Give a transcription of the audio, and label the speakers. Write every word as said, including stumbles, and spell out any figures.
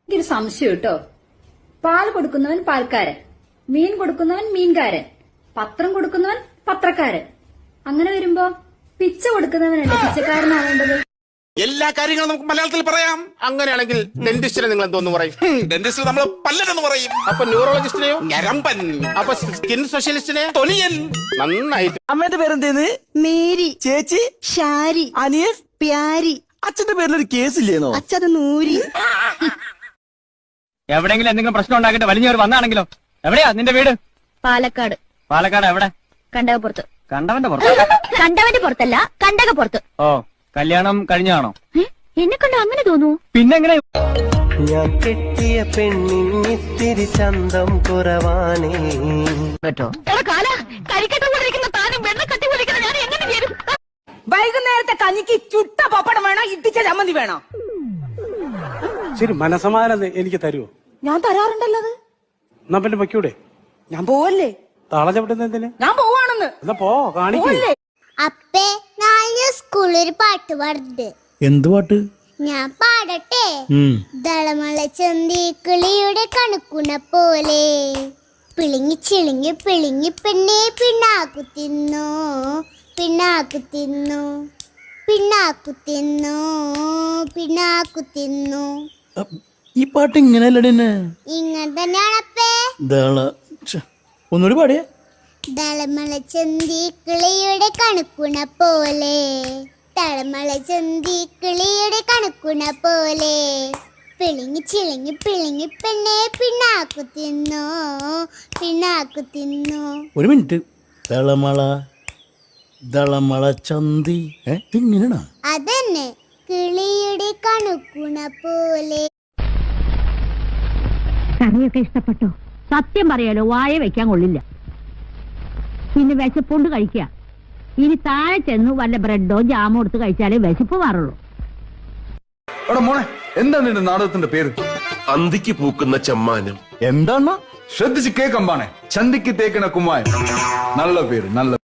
Speaker 1: എനിക്കൊരു സംശയം കേട്ടോ. പാൽ കൊടുക്കുന്നവൻ പാൽക്കാരൻ, മീൻ കൊടുക്കുന്നവൻ മീൻകാരൻ, പത്രം കൊടുക്കുന്നവൻ പത്രക്കാരൻ. അങ്ങനെ വരുമ്പോ പിച്ച കൊടുക്കുന്നവനല്ലേ പിച്ചക്കാരനാവേണ്ടത്?
Speaker 2: എല്ലാ കാര്യങ്ങളും നമുക്ക് മലയാളത്തിൽ പറയാം. അങ്ങനെയാണെങ്കിൽ ഡെന്റിസ്റ്റിനെ നിങ്ങൾ എന്തോന്ന് പറയും? ഡെന്റിസ്റ്റിനെ നമ്മൾ പല്ലനെന്ന് പറയും. അപ്പൊ ന്യൂറോളജിസ്റ്റിനെയോ ഞരമ്പൻ. അപ്പൊ സ്കിൻ സ്പെഷ്യലിസ്റ്റിനെ തൊലിയൻ. നന്നായിട്ട്.
Speaker 3: അമ്മയുടെ പേരെന്തേന്ന്?
Speaker 4: മേരി.
Speaker 3: ചേച്ചി?
Speaker 4: ഷാരി.
Speaker 3: അനിയൻ?
Speaker 4: പ്യാരി.
Speaker 3: അച്ഛന്റെ പേരിലൊരു കേസില്ലേന്നോ?
Speaker 4: അച്ഛത് നൂരി.
Speaker 5: എവിടെയെങ്കിലും എന്തെങ്കിലും പ്രശ്നം ഉണ്ടാക്കിട്ട് വലിഞ്ഞവർ വന്നാണെങ്കിലോ? എവിടെയാ നിന്റെ വീട്?
Speaker 4: പാലക്കാട്.
Speaker 5: പാലക്കാട് എവിടെ?
Speaker 4: കണ്ടകപ്പുറത്ത്.
Speaker 5: കണ്ടവന്റെ പുറത്ത്?
Speaker 4: കണ്ടവന്റെ പുറത്തല്ല, കണ്ടകപ്പുറത്ത്.
Speaker 5: ഓ, കല്യാണം കഴിഞ്ഞാണോ?
Speaker 4: എന്നെ കണ്ട അങ്ങനെ തോന്നൂ?
Speaker 5: പിന്നെങ്ങനെ?
Speaker 6: ഞാൻ കെട്ടിയ പെണ്ണിത്തിരി ചന്തം കുറവാനേ.
Speaker 5: പറ്റോ?
Speaker 7: വൈകുന്നേരത്തെ കഞ്ഞിക്ക് ചുട്ട പപ്പടം വേണോ ഇട്ടിച്ച ചമ്മന്തി വേണോ?
Speaker 8: ശരി, മനസമാധാനം എനിക്ക് തരുമോ?
Speaker 7: ഞാൻ തരാറുണ്ടല്ലോ. അത്
Speaker 8: എന്നാ പിന്നെ വയ്ക്കൂടെ?
Speaker 7: ഞാൻ പോവല്ലേ?
Speaker 8: താള ചവിട്ടുന്ന എന്തിന്?
Speaker 7: ഞാൻ പോവാണെന്ന്.
Speaker 8: എന്നാ പോ, കാണിക്കേ.
Speaker 9: അപ്പേ നാളെ സ്കൂളിൽ പാട്ട് പാടുണ്ട്.
Speaker 3: എന്ത് പാട്ട്?
Speaker 9: ഞാൻ പാടട്ടെ? ദളമള ചന്തി കിളിയുടെ കണക്കുണ പോലെ പിളിങ്ങി ചിളിങ്ങി പിളിങ്ങി പെണ്ണെ പിണ്ണാക്കു തിന്നു, പിണ്ണാക്കു തിന്നു, പിണ്ണാക്കു തിന്നു, പിണ്ണാക്കു തിന്നു.
Speaker 3: ഈ പാട്ട് ഇങ്ങനെയല്ലേ?
Speaker 9: ഇങ്ങനെ തന്നെയാണ് അപ്പേ.
Speaker 3: ഒന്നുകൂടി പാടിയേ.
Speaker 9: ദളമള ചന്തി കിളിയുടെ കണക്കുണ പോലെ, തളമള ചന്തി കിളിയുടെ കണക്കുണ പോലെ പിളിങ്ങി ചിളിങ്ങി പിളിങ്ങി പെണ്ണെ പിണ്ണാക്കു തിന്നു, പിണ്ണാക്കു തിന്നു.
Speaker 3: ഒരു മിനിറ്റ്. ദളമള ദളമള ചന്തി ഇങ്ങനെയാണോ?
Speaker 9: അതന്നെ, കിളിയുടെ കണക്കുണ പോലെ.
Speaker 4: കറിയൊക്കെ ഇഷ്ടപ്പെട്ടോ? സത്യം പറയാലോ, വായ വെക്കാൻ കൊള്ളില്ല. പിന്നെ വിശപ്പുണ്ട് കഴിക്കുക. ഇനി താഴെ ചെന്ന് വല്ല ബ്രെഡോ ജാമോ എടുത്ത് കഴിച്ചാലേ വിശപ്പ് മാറുള്ളൂ.
Speaker 10: മോനെ, എന്താ നിന്റെ നാടകത്തിന്റെ പേര്?
Speaker 2: അന്തിക്ക് പൂക്കുന്ന ചമ്മാനം.
Speaker 10: എന്താണ്? ശ്രദ്ധിച്ച് കേക്കമ്പാണേ. ചന്തിക്ക് തേക്കണ കുമ്മായം. നല്ല പേര്, നല്ല